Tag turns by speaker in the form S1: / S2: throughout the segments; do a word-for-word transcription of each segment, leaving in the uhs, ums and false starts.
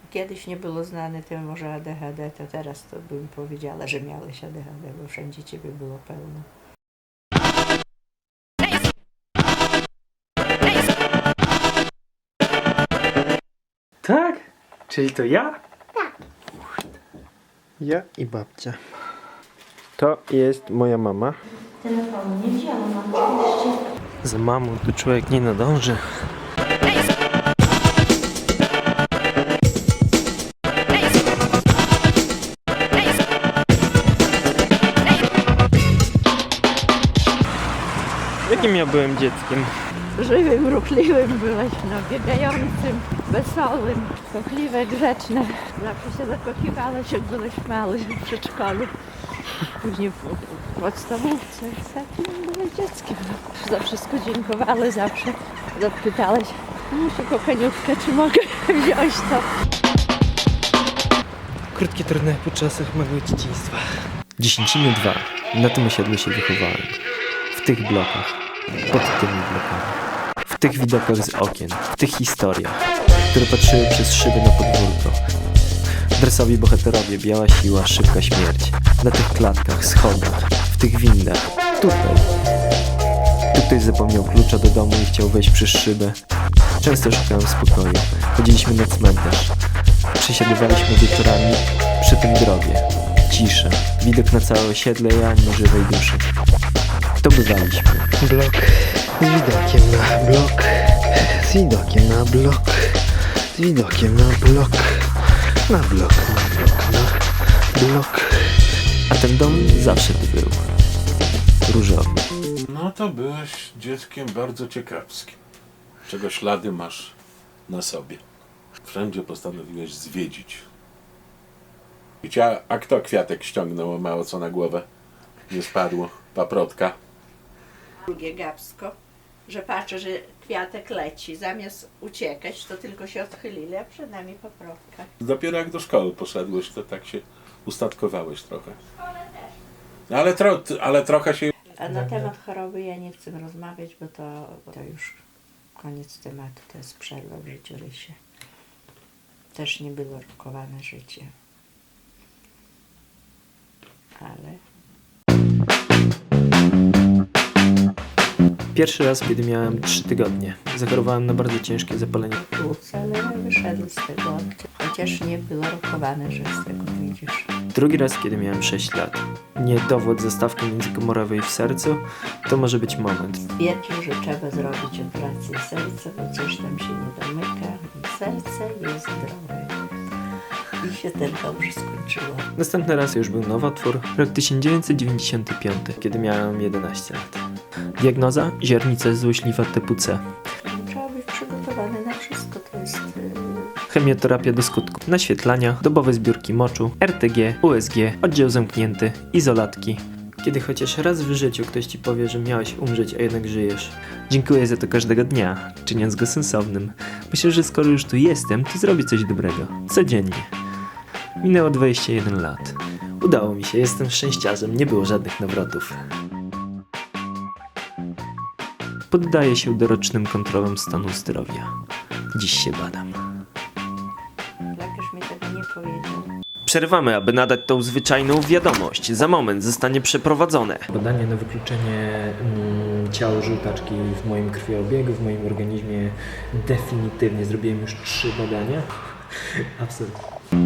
S1: Kiedyś nie było znane to może A D H D, to teraz to bym powiedziała, że miałeś A D H D, bo wszędzie ciebie było pełno.
S2: Tak? Czyli to ja?
S3: Tak.
S2: Ja i babcia. To jest moja mama.
S1: Telefonu nie wzięłam, oczywiście.
S2: Za mamą to człowiek nie nadąży. Jakim ja byłem dzieckiem?
S1: Żywym, ruchliwym byłeś, no, biegającym, wesołym, kochliwe, grzeczne. Zawsze się zakochiwałeś, jak byłeś mały w przedszkolu. Później w, w podstawówce. Takim byłeś dzieckiem. No. Za wszystko dziękowałeś, zawsze zapytałeś, muszę kochaniutkę, czy mogę wziąć to.
S2: Krótkie, trudne po czasach małego dzieciństwa. Dziesięciny dwa. Na tym osiedlu się wychowałem. W tych blokach. Pod tymi blokami. W tych widokach z okien. W tych historiach, które patrzyły przez szyby na podwórko. Dresowi bohaterowie, biała siła, szybka śmierć. Na tych klatkach, schodach, w tych windach. Tutaj. Tu ktoś zapomniał klucza do domu i chciał wejść przez szybę. Często szukałem spokoju. Chodziliśmy na cmentarz. Przesiadywaliśmy wieczorami przy tym grobie. Cisza. Widok na całe osiedle i ani żywej duszy. To bywaliśmy.
S4: Blok z widokiem na blok, z widokiem na blok, z widokiem na blok, na blok, na blok, na blok.
S2: A ten dom zawsze tu był. Różowy.
S5: No to byłeś dzieckiem bardzo ciekawskim, czego ślady masz na sobie. Wszędzie postanowiłeś zwiedzić. Wiecie, a kto kwiatek ściągnął, a mało co na głowę nie spadło? Paprotka.
S1: Drugie gapsko, że patrzę, że kwiatek leci. Zamiast uciekać, to tylko się odchylili, a przed nami paprotka.
S5: Dopiero jak do szkoły poszedłeś, to tak się ustatkowałeś trochę. Ale, tro, ale trochę się...
S1: A na temat choroby ja nie chcę rozmawiać, bo to, to już koniec tematu, to jest przerwa w życiorysie. Też nie było rokowane życie. Ale...
S2: Pierwszy raz, kiedy miałem trzy tygodnie. Zachorowałem na bardzo ciężkie zapalenie
S1: płuc, ale wyszedł z tego, chociaż nie było rokowane, że z tego wyjdziesz.
S2: Drugi raz, kiedy miałem sześć lat. Niedowód zastawki międzykomorowej w sercu to może być moment.
S1: Stwierdził, że trzeba zrobić operację serca, bo coś tam się nie domyka i serce jest zdrowe. I się ten dobrze skończyło.
S2: Następny raz już był nowotwór, rok tysiąc dziewięćset dziewięćdziesiąty piąty, kiedy miałem jedenaście lat. Diagnoza? Ziarnica złośliwa typu C.
S1: Trzeba być przygotowany na wszystko, to jest... Yy...
S2: Chemioterapia do skutku, naświetlania, dobowe zbiórki moczu, R T G, U S G, oddział zamknięty, izolatki. Kiedy chociaż raz w życiu ktoś ci powie, że miałeś umrzeć, a jednak żyjesz. Dziękuję za to każdego dnia, czyniąc go sensownym. Myślę, że skoro już tu jestem, to zrobię coś dobrego. Codziennie. Minęło dwadzieścia jeden lat. Udało mi się, jestem szczęściarzem, nie było żadnych nawrotów. Poddaję się dorocznym kontrolom stanu zdrowia. Dziś się badam.
S1: Lekarz mi tego nie powiedział.
S2: Przerwamy, aby nadać tą zwyczajną wiadomość. Za moment zostanie przeprowadzone badanie na wykluczenie mm, ciała żółtaczki w moim krwiobiegu, w moim organizmie definitywnie. Zrobiłem już trzy badania. Absolutnie.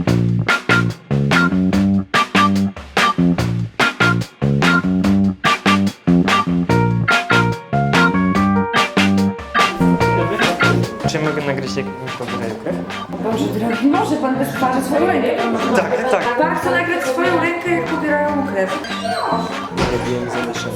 S2: Czy mogę nagrać, jak mi pobierają krew?
S6: Boże drogi, może pan bez twarzy swoją rękę pan może.
S2: Tak, tak.
S6: Pan chce nagrać swoją rękę, jak pobierają krew.
S2: Robiłem zawieszenie.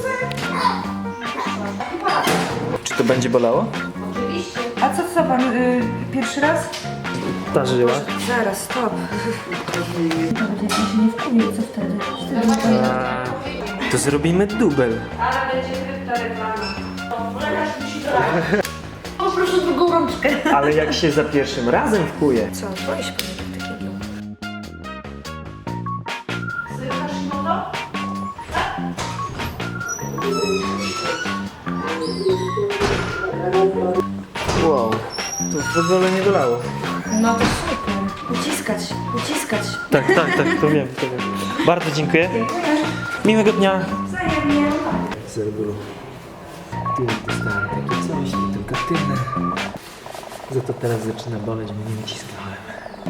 S2: Czy to będzie bolało?
S6: A co, co pan, y, pierwszy raz?
S2: Ta żyła.
S6: Zaraz, stop. Nawet jak pan się nie wkuje, co wtedy? Wtedy
S2: A, to zrobimy dubel.
S6: Ale będzie krypta reklama. Poproszę drugą rączkę.
S2: Ale jak się za pierwszym razem wkuje.
S6: Co, boję się pan takiego.
S2: Wow, to w ogóle nie bolało.
S6: No to super. Ucisk uciskać, uciskać.
S2: Tak, tak, tak, to wiem, to wiem. Bardzo dziękuję. Miłego dnia.
S6: Wzajemnie.
S2: Z reguły tył dostałem takie coś, nie tylko tylne. Za to teraz zaczyna boleć, bo nie uciskałem.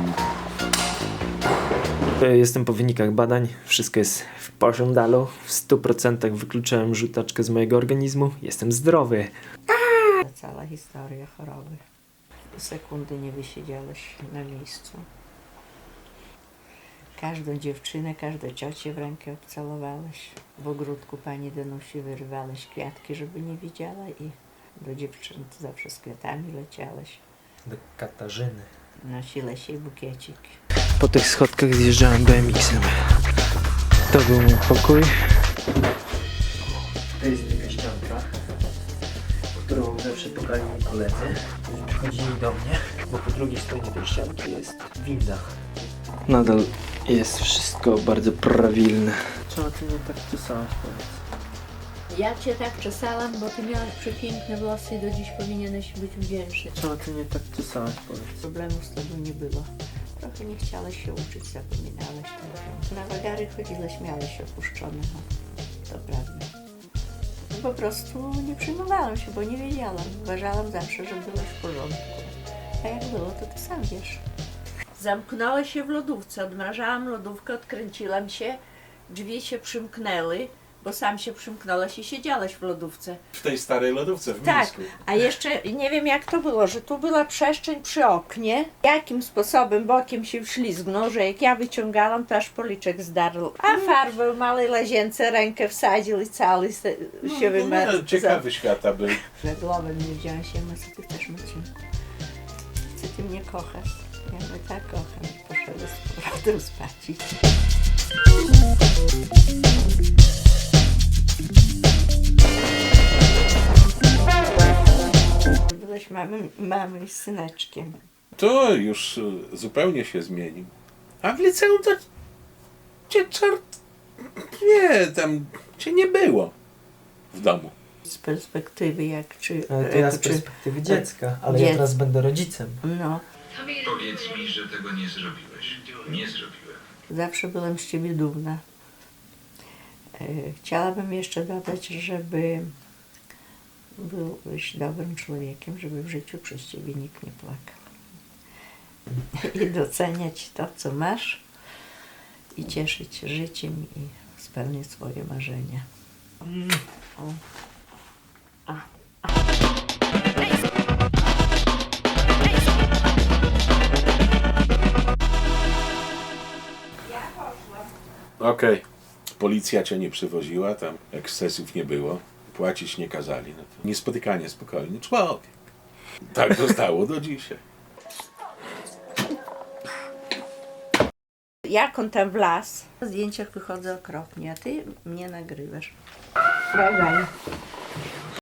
S2: E, Jestem po wynikach badań. Wszystko jest w porządku. W stu procentach wykluczyłem żółtaczkę z mojego organizmu. Jestem zdrowy.
S3: Cała historia choroby. Sekundy nie wysiedziałeś na miejscu. Każdą dziewczynę, każdą ciocię w rękę obcalowałeś. W ogródku pani Danusi wyrywałeś kwiatki, żeby nie widziała i do dziewczyn zawsze z kwiatami leciałeś.
S2: Do Katarzyny.
S3: Nosiłeś jej bukiecik.
S4: Po tych schodkach zjeżdżałem B M X-em. To był mój pokój.
S2: To jest taka ścianka, którą zawsze pokali mi koledzy. Przychodzili do mnie, bo po drugiej stronie tej ścianki jest winda.
S4: Nadal jest wszystko bardzo prawilne.
S2: Czemu ty mnie tak czesałaś, powiedz?
S1: Ja cię tak czesałam, bo ty miałaś przepiękne włosy i do dziś powinieneś być wdzięczny.
S2: Czemu ty mnie tak czesałaś, powiedz?
S3: Problemów z tobą nie było. Trochę nie chciałeś się uczyć, zapominałeś tego. Na wagary chodziłeś, miałeś opuszczone, no. To prawda. Po prostu nie przyjmowałam się, bo nie wiedziałam. Uważałam zawsze, że byłeś w porządku. A jak było, to ty sam wiesz. Zamknęła się w lodówce, odmrażałam lodówkę, odkręciłam się, drzwi się przymknęły, bo sam się przymknąłeś i siedziałeś w lodówce.
S5: W tej starej lodówce w
S3: Tak,
S5: Mińsku.
S3: a jeszcze nie wiem jak to było, że tu była przestrzeń przy oknie. Jakim sposobem bokiem się wślizgnął, że jak ja wyciągałam, to aż policzek zdarł. A farbę w małej łazience rękę wsadził i cały se, się
S5: No,
S3: wymarł.
S5: ciekawy świata był.
S3: Że głowem nie wziąłem się, no co ty chcesz, Marcinku? Co ty mnie kochasz? Ja mnie tak kocham. Poszedłem z powrotem spać. Byłeś mamą, mamą i syneczkiem.
S5: To już y, zupełnie się zmienił. A w liceum to cię czart... Nie, tam cię nie było w domu.
S3: Z perspektywy jak czy...
S2: Ale to ja z
S3: czy
S2: perspektywy dziecka, ale ja
S3: dziec-
S2: teraz będę rodzicem.
S3: no,
S7: Powiedz mi, że tego nie zrobiłeś. Nie zrobiłem.
S3: zawsze byłem z ciebie dumna. E, Chciałabym jeszcze dodać, żeby byłeś dobrym człowiekiem, żeby w życiu przez ciebie nikt nie płakał. I doceniać to, co masz i cieszyć się życiem i spełnić swoje marzenia. O. A.
S5: Okej. Policja cię nie przywoziła, tam ekscesów nie było. Płacić nie kazali. No to niespotykanie spokojny człowiek. Tak zostało do dzisiaj.
S3: Jak on tam wlazł? W zdjęciach wychodzę okropnie, a ty mnie nagrywasz. Bye bye.